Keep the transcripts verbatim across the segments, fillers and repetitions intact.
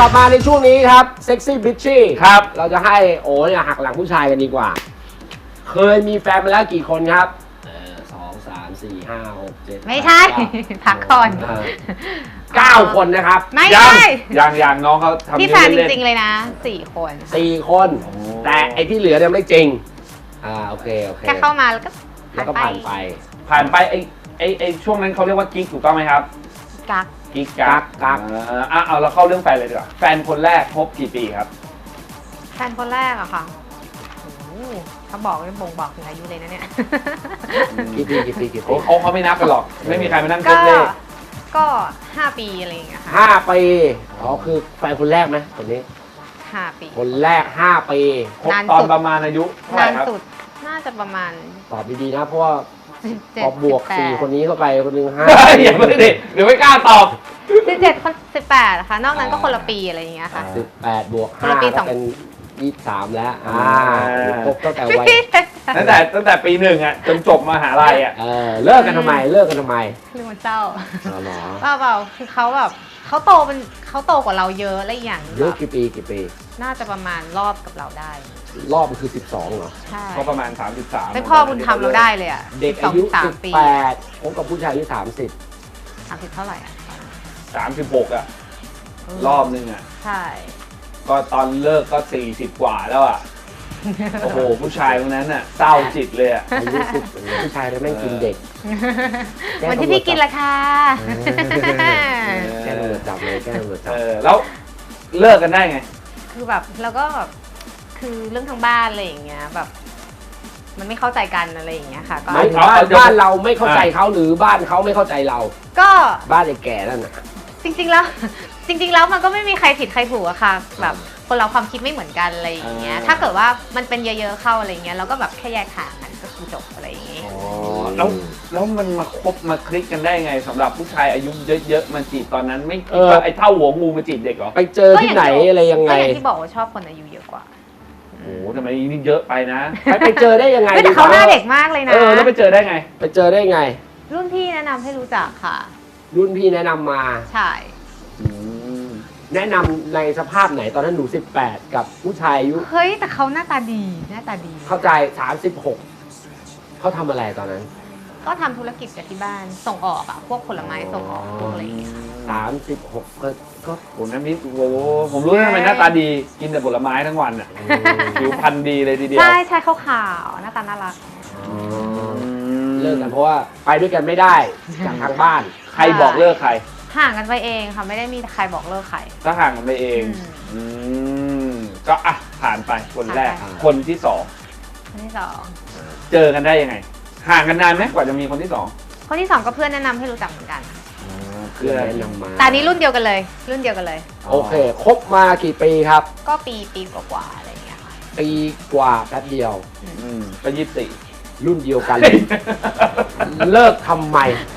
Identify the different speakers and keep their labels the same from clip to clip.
Speaker 1: ลับมาในช่วงนี้ครับเซ็กซี่บิชชี่
Speaker 2: ครับ
Speaker 1: เราจะให้โอ้เนี่ยหักหลังผู้ชายกันดีกว่า เคยมีแฟนมาแล้วกี่คนครับเออสองสามสี่ห้าหกเจ็ด
Speaker 3: ไม่ใช่ พักก่อน
Speaker 1: เออเก้าคนนะครับ
Speaker 3: ไม่
Speaker 2: ยั
Speaker 3: ใช่
Speaker 2: ยังยังน้องเขาทำ
Speaker 3: ที่แฟนจ
Speaker 2: เล่นๆ
Speaker 3: ริงๆเลยนะสี่คน
Speaker 1: สี่คน
Speaker 2: โอ้
Speaker 1: แต่ไอ้ที่เหลือเนี่ยไม่จริงอ่าโอเคโอเค
Speaker 3: แค่เข้ามาแล้วก็
Speaker 1: แล้วก็ผ่านไป
Speaker 2: ผ่านไปไอ้ไอ้ไอ้ช่วงนั้นเขาเรียกว่ากิ๊กถูกต้องไหมครับ
Speaker 3: กัก
Speaker 2: กิ๊กกัก
Speaker 1: กัก
Speaker 2: เอออ่ะเอาเราเข้าเรื่องแฟนเลยดีกว่าแฟนคนแรกคบกี่ปีครับ
Speaker 3: แฟนคนแรกอะค่ะโอ้โหเขาบอกไม่บ่งบอกถึงอายุเลยนะเนี่ย
Speaker 1: กี่ปีกี่ปีกี่ปี
Speaker 2: เขาเขาเขาไม่นับกันหรอก ไม่มีใครมานั่ง
Speaker 3: ก็
Speaker 2: เล่นเลข
Speaker 3: ก็ห้าปีอะไรอย่างเงี้ยค่ะ
Speaker 1: ห้าปีอ๋อคือแฟนคนแรกไหมคนนี้
Speaker 3: ห้าปี
Speaker 1: คนแรกห้าปี
Speaker 2: คบ
Speaker 3: นาน
Speaker 2: ตอน
Speaker 3: สุด
Speaker 2: ประมาณอายุเท่าไหร่
Speaker 3: นาน
Speaker 2: ครับ
Speaker 3: สุดน่าจะประมาณ
Speaker 1: ตอบดีๆนะเพราะว่า
Speaker 3: สิบเจ็ด
Speaker 1: พอบวกสี่คนนี้เข้าไปคนหนึ่งห้า
Speaker 2: เฮ้ยอย่าเพิ่งดิเดี๋ยวไม่กล้าตอบ
Speaker 3: สิบเจ็ดคนสิบแปดนะคะนอกนั้นก็คนละปีอะไรอย่างเงี้ยค่ะ
Speaker 1: สิบแปดบวก
Speaker 3: คน
Speaker 1: ห้า
Speaker 3: ละปีส
Speaker 1: ก็
Speaker 3: อง
Speaker 1: เป็นยี่สิบสามแล้วอ่า
Speaker 2: อ่า
Speaker 1: ครบตั้งแต่วัย
Speaker 2: ตั้งแต่ตั้งแต่ปีหนึ่งอ่ะจนจบมหาลัยอ่ะ
Speaker 1: เออเลิกกันทำไมเลิกกันทำไม
Speaker 3: เรื่องมันเศร้า
Speaker 1: อ๋อเหรอ
Speaker 3: เปล่าเปล่าคือเขาแบบเขาโตเป็นเขาโตกว่าเราเยอะและอีกอย่าง
Speaker 1: เยอะ
Speaker 3: แบบ
Speaker 1: กี่ปีกี่ปี
Speaker 3: น่าจะประมาณรอบกับเราได้
Speaker 1: รอบมันคือสิบสองเหรอ
Speaker 3: ใช่
Speaker 2: ก็ประมาณสามสิบสาม
Speaker 3: เป็นพ่อบุญธรรมเราได้เลยอ่ะ
Speaker 1: เด็ก
Speaker 3: สอ
Speaker 1: อาง ยุ
Speaker 3: สา
Speaker 1: สิ
Speaker 3: ม
Speaker 1: บ
Speaker 3: ปี
Speaker 1: แปดผมกับผู้ชายอายุสามสิบ
Speaker 3: สามสิบเท่าไหร่อ่ะ
Speaker 2: สามสิบหกอ่ะรอบนึงอ่ะ
Speaker 3: ใช่
Speaker 2: ก็ตอนเลิกก็สี่สิบกว่าแล้วอ่ะ โอ้โห ผู้ชายคนนั้นน่ะเศร้าจิตเลยอ่ะ
Speaker 1: อายุสิบผู้ชายเลยแม่งกินเด็ก แก้
Speaker 3: วันที่
Speaker 1: ตำรวจ
Speaker 3: พี่กินราคา
Speaker 1: แก้ตำรวจจับเลยแก้ตำรวจจั
Speaker 2: เอบ อ แล้วเลิกกันได้ไง
Speaker 3: คือแบบเราก็แบบคือเรื่องทางบ้านอะไรอย่างเงี้ยแบบ มันไม่เข้าใจกันอะไรอย่างเงี้ยค่ะ ก็
Speaker 1: ไม่ถึงบ้านบ้านเราไม่เข้าใจเขาหรือบ้านเขาไม่เข้าใจเรา
Speaker 3: ก็
Speaker 1: บ้านไอ้แก่นั่นน่ะ
Speaker 3: จริง ๆ แล้ว จริง ๆ แล้วมันก็ไม่มีใครผิดใครถูกอะค่ะแบบคนเราความคิดไม่เหมือนกันอะไรอย่างเงี้ย
Speaker 2: อ่า
Speaker 3: ถ้าเกิดว่ามันเป็นเยอะๆเข้าอะไรเงี้ยเราก็แบบแค่แยกทางกันก็คือจบอะไรอย่างเงี้ย
Speaker 2: อ๋อ แล้ว แล้วมันมาคบมาคลิกกันได้ไงสำหรับผู้ชายอายุเยอะๆมาจีบตอนนั้นไม่คิดว่าไอ้เท่าหัวงูมาจีบเด็กเหรอ
Speaker 1: ไปเจอที่ไหนอะไรยังไง
Speaker 3: ก็อย่างที่บอกว่าชอบคนอายุเยอะกว่า
Speaker 2: โอ้โหทำไมนี่เยอะไปนะ
Speaker 1: ไปไปเจอได้ยังไง
Speaker 3: ไม่แต่เขาหน้าเด็กมากเลยนะ
Speaker 2: เออ แล้วไปเจอได้ไง
Speaker 1: ไปเจอได้ไง
Speaker 3: รุ่นพี่แนะนำให้รู้จักค่ะ
Speaker 1: รุ่นพี่แนะนำมา
Speaker 3: ใช่
Speaker 1: แนะนำในสภาพไหนตอนนั้นหนูสิบแปดกับผู้ชายอายุ
Speaker 3: เฮ้ยแต่เขาหน้าตาดีหน้าตาดี
Speaker 1: เข้าใจสามสิบหกเขาทำอะไรตอนนั้น
Speaker 3: ก็ทำธุรกิจกับที่บ้านส่งออกอะพวกผลไม้ส่งออกพวกอะไรอย่างเงี้ย
Speaker 1: สามสิบหกก็ก็
Speaker 2: โอ้น้ำมิตรโอ้โหผมรู้แล้วทำไมหน้าตาดี กินแต่ผลไม้ทั้งวันอ่ะ ผิวพรรณดีเลยทีเดียว
Speaker 3: ใช่ใช่ขาวๆหน้าตาน่ารัก
Speaker 1: เลิกกันเพราะว่าไปด้วยกันไม่ได้จากทางบ้าน
Speaker 2: ใครบอกเลิกใคร
Speaker 3: ห่างกันไปเองค่ะไม่ได้มีใครบอกเลิกใคร
Speaker 2: ก็ห่างกันไปเอง
Speaker 3: อืม
Speaker 2: อืมก็อ่ะผ่านไปคนแรก
Speaker 3: ผ่านไป
Speaker 2: คนที่สอง
Speaker 3: คนที่สอง
Speaker 2: เจอกันได้ยังไง ห่างกันนานไหมกว่าจะมีคนที่สอง
Speaker 3: คนที่สองก็เพื่อนแนะนำให้รู้จักเหมือนกัน
Speaker 1: เพื่อนแนะนำมา
Speaker 3: แต่อันนี้รุ่นเดียวกันเลย รุ่นเดียวกันเลย
Speaker 1: โอเคคบมากี่ปีครับ
Speaker 3: ก็ปีปีกว่าๆอะไรอย่างเงี้ยค่ะ
Speaker 1: ปีกว่าแป๊บเดียว
Speaker 2: อืมก็ยี่สิบสี่
Speaker 1: รุ่นเดียวกันเลย เลิกทำไม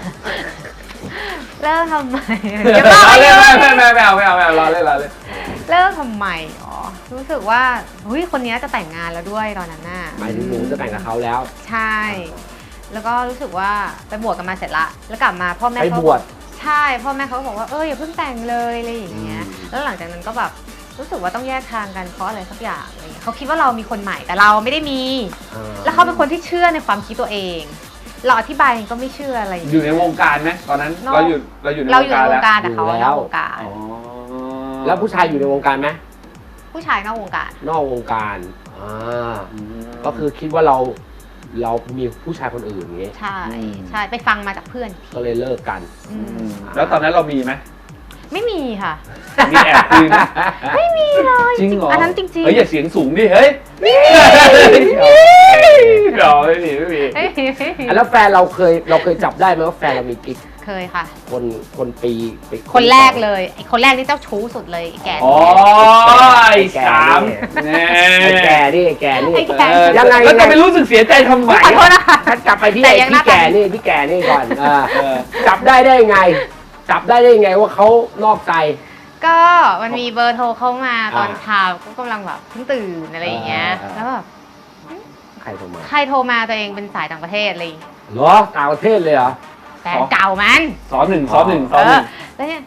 Speaker 3: เลิกทำไม
Speaker 2: ไม่
Speaker 3: เดี๋ยวก่อน
Speaker 2: ไม่
Speaker 3: เดี๋ยวก่อน
Speaker 2: ไม่ไม่ไม่เอาไม่เอาไม่เอารอเล่นรอเล่น
Speaker 3: เลิกทำไมอ๋อรู้สึกว่าเฮ้ยคนนี้จะแต่งงานแล้วด้วยตอนนั้นน่ะ
Speaker 1: หมายถึงหนูจะแต่งกับเขาแล้ว
Speaker 3: ใช่ แล้วก็รู้สึกว่าไปบวชกันมาเสร็จละ แล้วกลับมาพ่อแม่
Speaker 1: ไป
Speaker 3: เขา
Speaker 1: บวช
Speaker 3: ใช่พ่อแม่เขาก็บอกว่าเอออย่าเพิ่งแต่งเลยอะไรอย่างเงี้ย
Speaker 1: อืม
Speaker 3: แล้วหลังจากนั้นก็แบบรู้สึกว่าต้องแยกทางกันเพราะอะไรสักอย่างอะไรเงี้ยเขาคิดว่าเรามีคนใหม่แต่เราไม่ได้มี
Speaker 1: อ่
Speaker 3: แล้วเขาเป็นคนที่เชื่อในความคิดตัวเอง เราอธิบายเองก็ไม่เชื่ออะไรอย่าง
Speaker 2: อ
Speaker 3: เงี้ย
Speaker 2: ยู่ในวงการไหมตอนนั้น
Speaker 3: นอก
Speaker 2: เราอยู่เราอยู่ใน
Speaker 3: เรา
Speaker 2: ว
Speaker 3: อง ยู่
Speaker 2: การ
Speaker 3: ในว
Speaker 2: แล้ว
Speaker 3: งการแต่เขานอกวงการ
Speaker 2: อ๋อ
Speaker 1: แล้วผู้ชายอยู่ในวงการไหม
Speaker 3: ผู้ชายนอกวงการ
Speaker 1: นอกวงการอ่า
Speaker 2: อืม
Speaker 1: ก็คือคิดว่าเราเรามีผู้ชายคนอื่นอย่างงี้
Speaker 3: ใช่
Speaker 2: อืม
Speaker 3: ใช่ไปฟังมาจากเพื่อนอีกที
Speaker 1: ก็เลยเลิกกัน
Speaker 3: อื
Speaker 2: อื
Speaker 3: ม
Speaker 2: มแล้วตอนนั้นเรามีไหม
Speaker 3: ไม่มีค่ะ
Speaker 2: มีแอบคุยไหม
Speaker 3: ไม่มีเลย
Speaker 2: จริงเหรอ
Speaker 3: อันนั้นจริงๆ
Speaker 2: เฮ้ยอย่าเสียงสูงดิเฮ้ยเดี๋ยวไม่มีไม่มี
Speaker 3: เฮ้ย
Speaker 1: อ่ะแล้วแฟนเราเคยเราเคยจับได้ไหมว่าแฟนเรามีกิ๊ก
Speaker 3: เคยค่ะ
Speaker 1: คนคนปีปี
Speaker 3: คนแรกเลยไอ้คนแรกนี่เจ้าชู้สุดเลยไอ้แก
Speaker 2: อ๋อไอ้สามแน่
Speaker 1: ไอ้แก่นี่ไอ้แก่นี่
Speaker 3: ไอ้แก่
Speaker 2: เออ
Speaker 1: ยังไง
Speaker 2: แล้วจะไปรู้สึกเสียใจทำไม
Speaker 3: ขอโทษนะคะ
Speaker 1: ฉันกลับไปที่
Speaker 3: แต่
Speaker 1: ไอ้
Speaker 3: ยังห
Speaker 1: พี่
Speaker 3: น้าตา
Speaker 1: แก่นี่พี่แก่นี่ก่อนอ่า
Speaker 2: เออ
Speaker 1: จับได้ได้ไง จับได้ได้ไงว่าเขานอกใจ
Speaker 3: ก็มันมีเบอร์โทรเข้ามาตอน
Speaker 1: อ่า
Speaker 3: เช้าก็กำลังแบบเพิ่งตื่นอะไรอย่างเงี้ย
Speaker 1: อ่า
Speaker 3: แล้วแบบ
Speaker 1: ใครโทรมา
Speaker 3: ใครโทรมาตัวเองเป็นสายต่างประเทศอะไรอย่างเงี้ย
Speaker 1: เหรอต่างประเทศเลยเหรอ
Speaker 3: แฟนเก่ามัน
Speaker 2: สอนหนึ่งสอนหนึ่งส
Speaker 3: เอ
Speaker 2: อนหนึ่
Speaker 3: อง แล้วเนี่ยเอ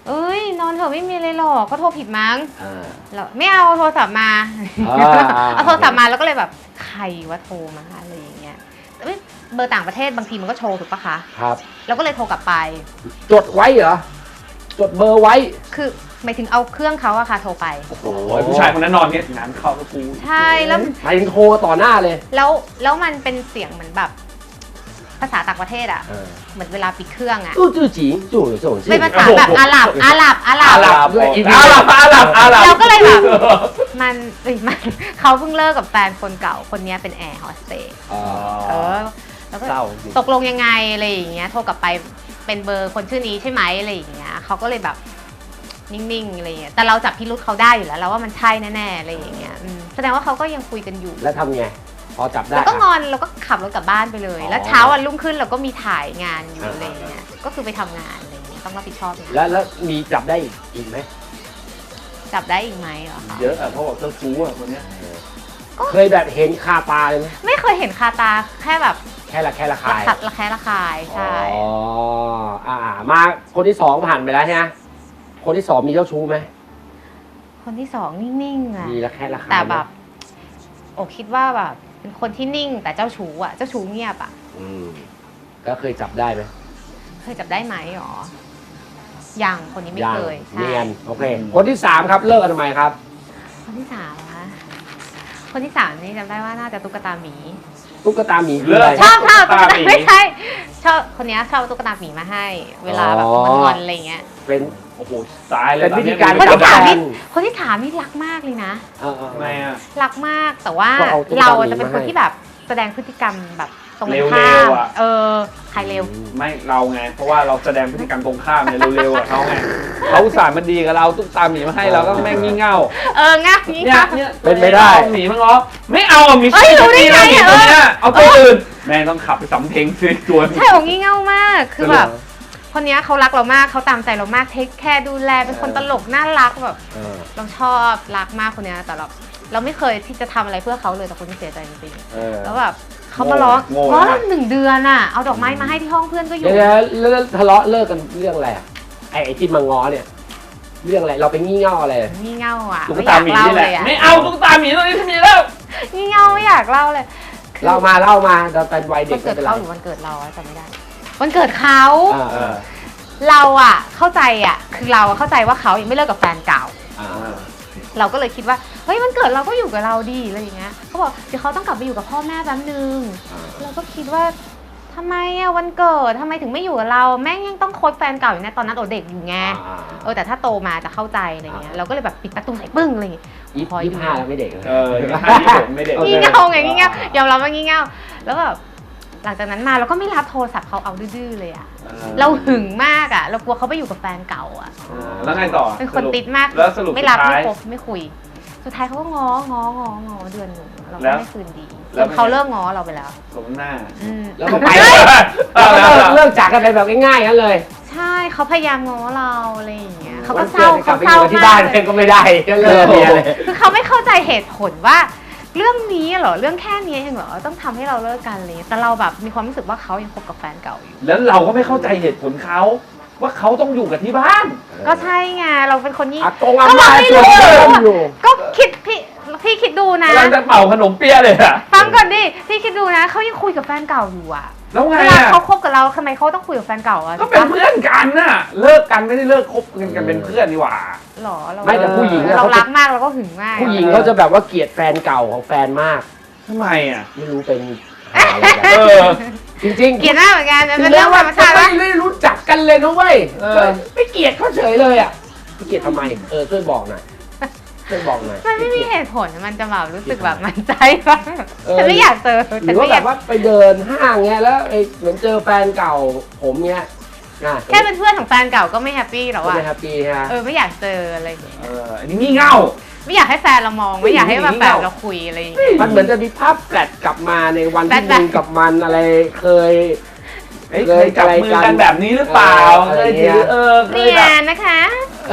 Speaker 3: เอ้ยนอนเถอะไม่มีอะไรหรอกก็โทรผิดมั้ง
Speaker 1: อ่า
Speaker 3: เราไม่เอาโทรศัพท์มา
Speaker 1: อ่า
Speaker 3: เอาโทรศัพท์มาแล้วก็เลยแบบใครว่าโทรมาอะไรอย่างเงี้ยเอ้ยเบอร์ต่างประเทศบางทีมันก็โชว์ถูกปะคะ
Speaker 1: ครับ
Speaker 3: เราก็เลยโทรกลับไป
Speaker 1: จดไว้เหรอ จดเบอร์ไว้
Speaker 3: คือหมายถึงเอาเครื่องเขาอะค่ะโทรไป
Speaker 2: โอ้โหผู้ชายคนนั้นนอนเนี่ยงานเข้าก็กู
Speaker 3: ใช่แล้ว
Speaker 1: หมายถึงโทรต่อหน้าเลย
Speaker 3: แล้วแล้วมันเป็นเสียงเหมือนแบบภาษาต่างประเทศอะ
Speaker 1: เออ
Speaker 3: เหมือนเวลาปิดเครื่องอะ
Speaker 1: ตู้จื้อจีจู่有这种事
Speaker 3: เป็นภาษาแบบอาหรับอาหรับอาหรับ
Speaker 1: อาหรับด้วย
Speaker 2: อาหรับอาหรับอาหรับ
Speaker 3: เราก็เลยแบบ มันเอ้ยมันเขาเพิ่งเลิกกับแฟนคนเก่าคนนี้เป็นแอร์โฮสเตส
Speaker 1: อ๋อ
Speaker 3: เออแล้วก็
Speaker 1: เศร้าจริง
Speaker 3: ตกลงยังไงอะไรอย่างเงี้ยโทรกลับไปเป็นเบอร์คนชื่อนี้ใช่ไหมอะไรอย่างเงี้ยเขาก็เลยแบบนิ่งๆอะไรอย่างเงี้ยแต่เราจับพิรุธเขาได้อยู่แล้วเราว่ามันใช่แน่ๆอะไรอย่างเงี้ยอืมแสดงว่าเขาก็ยังคุยกันอยู่
Speaker 1: แล้วทำไง พอจับได้
Speaker 3: แล้วก็ง
Speaker 1: อ่ะ
Speaker 3: อนเราก็ขับรถกลับบ้านไปเลย
Speaker 1: อ๋อ
Speaker 3: แล้วเช้าวันรุ่งขึ้นเราก็มีถ่ายงานอยู่
Speaker 1: อ่า
Speaker 3: อะไรอย่างเงี้ยก็คือไปทำงานอะไรอย่างเงี้ยต้องรับผิดชอบงาน
Speaker 1: แล้วแล้วมีจับได้อีกอีกไหม
Speaker 3: จับได้อีกไหมเหรอคะ
Speaker 2: เยอะอะเขาบอกเจ้าชู้อะคนเนี้ย
Speaker 1: เคยแบบเห็นคาตาเลยไหม
Speaker 3: ไม่เคยเห็นคาตาแค่แบบ
Speaker 1: แค่ละแค่ละ
Speaker 3: ระ
Speaker 1: คาย
Speaker 3: คัดระแคะระคายใช่
Speaker 1: อ๋ออ่ามาคนที่สองผ่านไปแล้วใช่ไหมคนที่สองมีเจ้าชู้ไหม
Speaker 3: คนที่สองนิ่งๆอะ
Speaker 1: มีละแค่ละคาย
Speaker 3: แต่
Speaker 1: ไหม
Speaker 3: แบบโอคิดว่าแบบเป็นคนที่นิ่งแต่เจ้าชู้อะเจ้าชู้เงียบอะ
Speaker 1: อืมก็เคยจับได้ไหม
Speaker 3: เคยจับได้ไหมหรอยังคนนี้ไม่
Speaker 1: ยัง
Speaker 3: เคยใช่
Speaker 1: เนียนโอเค คนที่สามครับเลิกกันทำไมครับ
Speaker 3: คนที่สามคะคนที่สามนี่จำได้ว่าน่าจะตุ๊กตาหมี
Speaker 1: ตุ๊กตาหมีคือ
Speaker 2: เลิ
Speaker 1: อะไร
Speaker 2: ก
Speaker 3: ชอบชอบตุ๊ก
Speaker 2: ตุ๊กตา
Speaker 3: ตา
Speaker 2: หมี
Speaker 3: ไม่ใช่ชอบคนนี้ชอบเอาตุ๊กตาหมีมาให้ เวลาแบบ
Speaker 1: อ๋อ
Speaker 3: งอนๆอะไรเงี้ย
Speaker 1: เป็น
Speaker 2: โอ้โหตายเลย
Speaker 1: เป็นวิธีการ
Speaker 3: คนที่สาม
Speaker 1: จั
Speaker 3: นี่
Speaker 1: บ
Speaker 3: คนที่สามนี่รักมากเลยนะ
Speaker 1: เออเออ
Speaker 2: ทำไมอะ
Speaker 3: รักมากแต่ว่า
Speaker 1: ก็เอาตุ๊กตา
Speaker 3: เรา
Speaker 1: หมี
Speaker 3: จะเป็น
Speaker 1: มา
Speaker 3: คน
Speaker 1: ให้
Speaker 3: ที่แบบแสดงพฤติกรรมแบบตรง
Speaker 2: เร็วๆ
Speaker 3: ข้าม
Speaker 2: อะ
Speaker 3: เออใครเร็ว
Speaker 2: ไม่เราไง เพราะว่าเราแสดงพฤติกรรมตรงข้ามเนี่ยเร็วๆกับเขาไงเขาอุตส่าห์มันดีกับเราตุ๊กตาหมีมาให้เราก็แม่งงี่เง่า
Speaker 3: เอองับนี้
Speaker 2: เนี่ย
Speaker 3: ค่ะ
Speaker 2: เนี่ย
Speaker 1: เป็นไม่ได้
Speaker 2: เอาหมีมั้งเหรอไม่เอาอะหมี
Speaker 3: เอ้ยรู้ได้ไง
Speaker 2: หมี
Speaker 3: อะ
Speaker 2: ตัวเนี้ยเอาตัวอื่นแม่งต้องขับไปสำเพ็งซื้อตัว
Speaker 3: ใช่ของงี่เง่ามากคือแบบ คนเนี้ยเขารักเรามากเขาตามใจเรามากเทคแคร์ดูแลเป็นคนตลกน่ารักแบบ
Speaker 1: เออ
Speaker 3: เราชอบรักมากคนเนี้ยแต่เราเราไม่เคยที่จะทำอะไรเพื่อเขาเลยแต่คนที่เสียใจจริง
Speaker 1: เออ
Speaker 3: ๆแล้วแบบเขามาร้อง
Speaker 2: โง่
Speaker 3: ร้อง
Speaker 2: นะ
Speaker 3: หนึ่งเดือนอ่ะเอาดอกไม้มาให้ที่ห้องเพื่อนก็อ
Speaker 1: เดี๋
Speaker 3: ยู่
Speaker 1: ยวๆแล้วทะเลาะเลิกกันเรื่องอะไรอะไอ้ไอ้ที่มาง้อเนี่ย เรื่องอะไรเราไปงี่เง่าอะไร
Speaker 3: งี่เง่าอ่ะ
Speaker 2: ตุ๊ก
Speaker 3: ไม่อาก
Speaker 2: ตายหมี
Speaker 3: เล่า
Speaker 2: นี่แห
Speaker 3: เล
Speaker 2: ละ
Speaker 3: ยอ่ะ
Speaker 2: ไม่เอาตุ๊กตาหมีตัวนี้ที่มีแล้ว
Speaker 3: งี่เง่าไม่อยากเล่าเลยคือ
Speaker 1: เล่ามาเล่ามาเราเป็นวัยเด็
Speaker 3: วั
Speaker 1: ก
Speaker 3: นเกิด
Speaker 1: ไม่ป็นไร
Speaker 3: เขาหรือวันเกิดเราอะจำไม่ได้ วันเกิดเขา
Speaker 1: อ่า
Speaker 2: เออ
Speaker 3: เราอ่ะเข้าใจอ่ะคือเราอะเข้าใจว่าเขายังไม่เลิกกับแฟนเก่า
Speaker 1: อ่า
Speaker 3: เราก็เลยคิดว่าเฮ้ยวันเกิดเราก็อยู่กับเราดีอะไรอย่างเงี้ยเขาบอกเดี๋ยวเขาต้องกลับไปอยู่กับพ่อแม่แป๊บนึง
Speaker 1: อ่า
Speaker 3: เราก็คิดว่าทำไมอะวันเกิดทำไมถึงไม่อยู่กับเราแม่งยังต้องคบแฟนเก่าอยู่นะตอนนั้นโอเด็กอยู่ไง
Speaker 1: อ่า
Speaker 3: เออแต่ถ้าโตมาจะเข้าใจอะไรเงี้ยเราก็เลยแบบปิดประตูใส่ปึ้งอะไรอย่างเงี้ย
Speaker 1: ยี่
Speaker 3: พออยู่
Speaker 1: สิบห้าแล้วไม่เด็กเลย
Speaker 2: เออยี่ห้ายี่หกไม่เด็ก
Speaker 1: โอเค
Speaker 3: งี่เง่าไงงี่เง่ายอมรับว่างี่เง่าแล้วแบบหลังจากนั้นมาเราก็ไม่รับโทรศัพท์เขาเอาดื้อๆเลยอะเราหึงมากอะเรากลัวเขาไปอยู่กับแฟนเก่าอะ
Speaker 2: เออแล้วไงต่อ
Speaker 3: เป็นคนติดมาก
Speaker 2: แล้วสรุป
Speaker 3: ไม่รับ
Speaker 2: สุด
Speaker 3: ไม่
Speaker 2: ท้าย
Speaker 3: คบไม่คุย สุดท้ายเขาก็ง้อง้อง้อง้อเดือนหนึ่งเรา
Speaker 2: แล้
Speaker 3: ก็
Speaker 2: ว
Speaker 3: ไม่คืนดี
Speaker 2: แล้
Speaker 3: จ
Speaker 2: วน
Speaker 3: เขาเลิกง้อเราไปแล้ว
Speaker 2: สมหน้า
Speaker 3: อืม
Speaker 1: แล้วก็ไป
Speaker 2: เฮ้ย
Speaker 1: แล้วก็เลิกเลิกจากกันไปแบบง่ายๆกันเลย
Speaker 3: ใช่เขาพยายามง้อเราอะไรอย่างเงี้ยเขาก็
Speaker 1: วัน
Speaker 3: เศร้า
Speaker 1: ดกลั
Speaker 3: เขา
Speaker 1: บไป
Speaker 3: เศร้า
Speaker 1: อยู่ที่
Speaker 3: มา
Speaker 1: บ้าน
Speaker 3: ก
Speaker 1: เองก็ไม่ได้ก็เลิกเมียเลย
Speaker 3: คือเขาไม่เข้าใจเหตุผลว่า เรื่องนี้เหรอเรื่องแค่นี้เองเหรอต้องทำให้เราเลิกกันเลยแต่เราแบบมีความรู้สึกว่าเขายังคบกับแฟนเก่าอยู่
Speaker 2: แล้วเราก็ไม่เข้าใจเหตุผลเขาว่าเขาต้องอยู่กับที่บ้าน
Speaker 3: ก็ใช่ไงเราเป็นคนยี่
Speaker 1: อากงอา
Speaker 3: ก็เรา
Speaker 1: ม่า
Speaker 3: ไม่
Speaker 1: ชวน
Speaker 3: รู้
Speaker 1: เล่นอยู่
Speaker 3: ก็คิดพี่พี่คิดดูนะ
Speaker 2: กำลังจะเป่าขนมเปี๊ยะเลยอะ
Speaker 3: ฟังก่อนดิพี่คิดดูนะเขายังคุยกับแฟนเก่าอยู่อะ
Speaker 2: แล้วไง
Speaker 3: เวลา
Speaker 2: อะ
Speaker 3: เขาคบกับเราทำไมเขาต้องคุยกับแฟนเก่าอะ
Speaker 2: ก็เป็นเพื่อนกันน่ะ เลิกกันไม่ได้เลิกคบกันกันเป็นเพื่อนนี่หว่า
Speaker 3: หรอเรา
Speaker 1: ไม่แต่ผู้หญิงอะ
Speaker 3: เรา
Speaker 1: เขาจะ
Speaker 3: รักมากเราก็หึงมาก
Speaker 1: ผู้หญิงเขาจะแบบว่าเกลียดแฟนเก่าของแฟนมาก
Speaker 2: ทำไมอ่ะ
Speaker 1: ไม่รู้เป็นหาอะไรกัน
Speaker 2: เออ
Speaker 1: จริงๆ
Speaker 3: เกลียดหน้าเหมือนกันมัน
Speaker 1: ถึ
Speaker 3: เป็น
Speaker 1: ง
Speaker 3: เรื่
Speaker 1: แล้
Speaker 3: อ
Speaker 1: ว
Speaker 3: งธ
Speaker 1: ว่าร
Speaker 3: รมชาติ
Speaker 1: ไม่
Speaker 3: ว่า
Speaker 1: ได้รู้จักกันเลยนะเว้ย
Speaker 2: เออ
Speaker 1: ไม่เกลียดเขาเฉยเลยอ่ะไม่เกลียดทำไมเออช่วยบอกหน่อยช่วยบอกหน่อย
Speaker 3: มันไม่มีเหตุผลมันจะแบบรู้สึกแบบมันใจว่า
Speaker 1: เออ
Speaker 3: ฉันไม่อยากเจอ
Speaker 1: ห
Speaker 3: ฉั
Speaker 1: รื
Speaker 3: น
Speaker 1: อว่า
Speaker 3: ไม่อ
Speaker 1: แบ
Speaker 3: ยาก
Speaker 1: บว่าไปเดินห้างเงี้ยแล้วไอ้เหมือนเจอแฟนเก่าผมเงี้ยนะ
Speaker 3: แค่เป็นเพื่อนของแฟนเก่าก็ไม่แฮปปี้หรอ
Speaker 1: ก็
Speaker 3: วะ
Speaker 1: ไม่แฮปปี้ฮะ
Speaker 3: เออไม่อยากเจออะไรอย่างเงี้ย
Speaker 2: เอออันนี้งี่เง่า
Speaker 3: ไม่อยากให้แฟนเรามองไม่อยากให้แบบแฟนเราคุยอะไรอย่างเงี้ย
Speaker 1: มันเหมือนจะมีภาพแฟลชกลับมาในวันที่
Speaker 3: แฟลช
Speaker 1: มึงกับมันอะไรเคย
Speaker 2: เอ้ยเคยจับมือกันแบบนี้หรือเปล่า
Speaker 1: เออ
Speaker 2: เคยถือเออเค
Speaker 3: เรี
Speaker 2: ย
Speaker 3: ย
Speaker 2: แบบ
Speaker 3: นนะคะ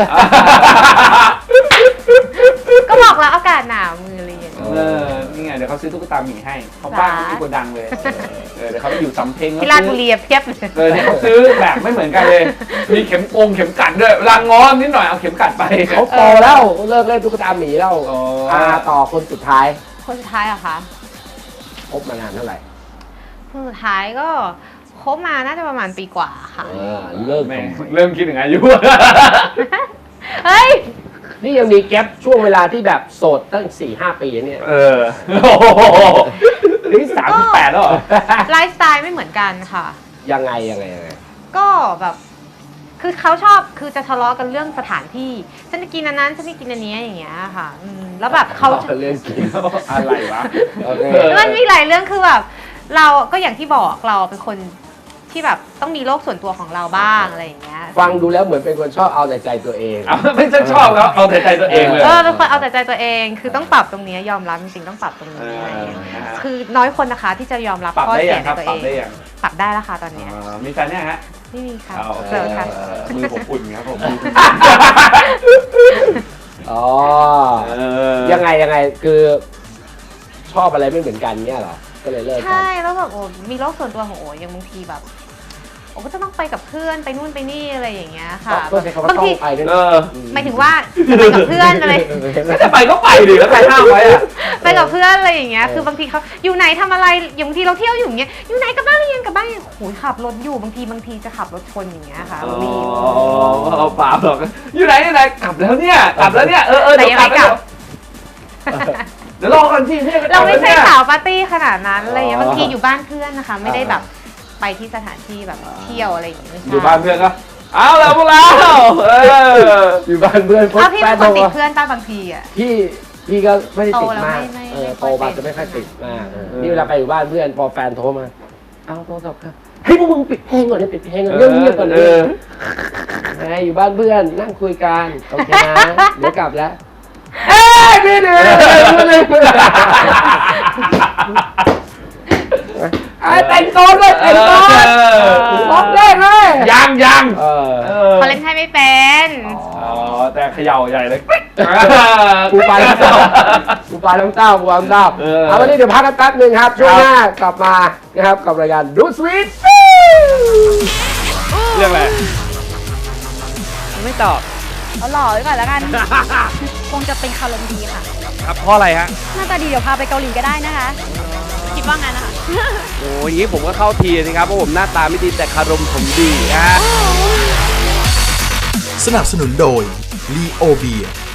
Speaker 3: ก็บอกแล้วอากาศหนาวมือเรียน
Speaker 2: เออนี่ไงเดี๋ยวเขาเขาซื้อตุ๊กตาหมีให้เขาบ้านเขาที่โกดังเลยเออเดี๋ยวเขาไปอยู่สำเพ็ง
Speaker 3: ที่ราชบุรีเพียบเลย
Speaker 2: เออเนี่ยเขาซื้อแบบไม่เหมือนกันเลย มีเข็มกงเข็มกัดด้วยเวลางอนนิดหน่อยเอาเข็มกัดไป
Speaker 1: เขาโตแล้วเลิกเล่นตุ๊กตาหมีแล้ว
Speaker 2: อ๋อ
Speaker 1: อ่าต่อคนสุดท้าย
Speaker 3: คนสุดท้ายอะคะ
Speaker 1: คบมานานเท่าไหร่
Speaker 3: คนสุดท้ายก็คบมาน่าจะประมาณปีกว่าค่ะ
Speaker 1: เออเลิก
Speaker 2: แม่ง
Speaker 1: ทำไม
Speaker 2: เริ่มคิดถึงอายุ
Speaker 3: เฮ้ย
Speaker 1: นี่ยังมีแก๊ปช่วงเวลาที่แบบโสดตั้งสี่ห้าปีเนี่ย
Speaker 2: เออโอ้โหนี่สามสิบแปดแล้วเหรอ
Speaker 3: ไลฟ์สไตล์ไม่เหมือนกันค่ะ
Speaker 1: ยังไงยังไงยังไง
Speaker 3: ก็แบบ คือเขาชอบคือจะทะเลาะกันเรื่องสถานที่ ฉันจะกินอันนั้นฉันจะกินอันนี้อย่างเงี้ยค่ะอืมแล้วแบบเขา
Speaker 1: เรื่องกิน
Speaker 2: อะไรวะ
Speaker 1: โอเค
Speaker 3: มันมีหลายเรื่องคือแบบเราก็อย่างที่บอกเราเป็นคนที่แบบต้องมีโลกส่วนตัวของเราบ้างอะไรอย่างเงี้ย
Speaker 1: ฟังดูแล้วเหมือนเป็นคนชอบเอาแต่ใจตัวเอง
Speaker 2: เอาไม่ใช่ชอบแล้วเอาแต่ใจตัวเองเลย
Speaker 3: เออเป็นคนเอาแต่ใจตัวเอง คือต้องปรับตรงนี้ยอมรับจริงๆต้องปรับตรงนี้อะไรอย่างเงี้ย
Speaker 2: เออนะฮะ
Speaker 3: คือน้อยคนนะคะที่จะยอมรับ
Speaker 2: ปรับ
Speaker 3: ข้อ
Speaker 2: ได้
Speaker 3: เสี
Speaker 2: ยั
Speaker 3: ย
Speaker 2: ง
Speaker 3: ใน
Speaker 2: ครับ
Speaker 3: ตัว
Speaker 2: ป
Speaker 3: เอ
Speaker 2: รับ
Speaker 3: ง
Speaker 2: ได้ยัง
Speaker 3: ปรับได้แล้วค่ะตอนเนี้ย
Speaker 2: อ่ามีแฟนเนี่ยฮะ
Speaker 3: ไม่มีค่ะ
Speaker 2: เอา
Speaker 3: เจอค่ะ
Speaker 2: เออมือผมอุ่นครับผม
Speaker 1: อ๋อ
Speaker 2: เออ
Speaker 1: ยังไงยังไงคือชอบอะไรไม่เหมือนกันเนี่ยเหรอ ก็เลยเลิกกัน
Speaker 3: ใช่แล้วแบบโอ้มีโลกส่วนตัวของโอ้ยังบางทีแบบโอ้ก็จะต้องไปกับเพื่อนไปนู่นไปนี่อะไรอย่างเงี้ยค่ะ
Speaker 1: ก็ใช้คำว่า
Speaker 3: บาง
Speaker 1: ต้อ
Speaker 3: ที
Speaker 1: งไปด้วย
Speaker 2: เอ
Speaker 1: นะ
Speaker 2: อ
Speaker 3: หมายถึงว่าจะไปกับเพื่อนอะไร
Speaker 2: จะไปก็ไปดิแล้วใครห้ามไว้อะ
Speaker 3: ไปกับเพื่อนอะไรอย่างเงี้ย คือบางทีเขาอยู่ไหนทำอะไรอย่างบางทีเราเที่ยวอยู่อย่างเงี้ย อยู่ไหนกลับบ้านหรือยังกลับบ้านโอ้ยขับรถอยู่บางทีบางทีจะขับรถชนอย่างเงี้ยค่ะ
Speaker 2: อ๋
Speaker 3: มี
Speaker 2: อเอาเปล่าหรอกอยู่ไหนอยู่ไหนกลับแล้วเนี่ยกลับแล้วเนี่ยเออเออ
Speaker 3: แต่
Speaker 2: เดี๋ยว
Speaker 3: ยัง
Speaker 2: กลั
Speaker 3: ไม่
Speaker 2: บ
Speaker 3: กลับ
Speaker 2: เดี๋ยวรอกันสิเนี่ย
Speaker 3: เราไม่ใช่
Speaker 2: กลับแล้วนี่ย
Speaker 3: สาวปาร์ตี้ขนาดนั้นอะไรอย่างเงี้ย
Speaker 1: อ๋อ
Speaker 3: บางทีอยู่บ้านเพื่อนนะคะ ไม่ได้
Speaker 1: อ่า
Speaker 3: แบบไปที่สถานที่แบบเที่ยวอะไรอย่างเงี้ยไม่ใช่
Speaker 2: อยู่บ้านเพื่อนก็เอาแล้วพวกเราเออ
Speaker 1: อยู่บ้านเพื่อน
Speaker 3: อ้าวพี่
Speaker 1: แฟ
Speaker 3: เป็น นคนติด
Speaker 1: โทรมา
Speaker 3: เพื่อนป้าบางทีอ่ะ
Speaker 1: พี่พี่ก็ไม่ได้ติดมาก
Speaker 3: โตแล้วไม่ไม่
Speaker 1: เออ
Speaker 3: ไม่
Speaker 1: โต
Speaker 3: ค่อย
Speaker 1: มา
Speaker 3: เป็น
Speaker 1: จะไม่ค่อยติดมากเออ
Speaker 2: เออ
Speaker 1: นี่เวลาไปอยู่บ้านเพื่อนพอแฟนโทรมา เอาโทรศัพท์ครับเฮ้ยพวกมึงปิดเพลงก่อนเลยปิดเพลงก่อนเงียบๆก่อนเล
Speaker 2: เอย อ
Speaker 1: ไงอยู่บ้านเพื่อนนั่งคุยกันโอเคนะเดี๋ยวกลับแล้วเอ้ยพี่เดือไอ้แต่งตัวด้วยแต่งตัวร้องได้เลย
Speaker 2: ยังยัง
Speaker 1: เออ
Speaker 2: เออ
Speaker 3: เขาเล่นไพ่ไม่เป็น
Speaker 2: อ๋อแต่เขย่าใหญ่เลย
Speaker 1: กูปลาน้ำเต้ากูปลาน้ำเต้ากูปลาน้ำเต้า
Speaker 2: เออ
Speaker 1: เอาวันนี้เดี๋ยวพักกันแป๊บหนึงครับ ช่วงหน้ากลับมานะครับกับรายการดูสวีท
Speaker 2: เรื่องอะไร
Speaker 4: ไม่ตอบ
Speaker 5: เอาหล่อไว้ก่อนแล้วกัน คงจะเป็นคารมดีค่ะ
Speaker 4: ครับเพราะอะไรฮะ
Speaker 5: หน้าตาดีเดี๋ยวพาไปเกาหลีก็ได้นะคะ คิดว่างั้นนะคะ
Speaker 4: โอ้ยอย่างนี้ผมก็เข้าทีนะครับ เพราะผมหน้าตาไม่ดีแต่คารมผมดีนะฮะ
Speaker 6: สนับสนุนโดย ลีโอเบีย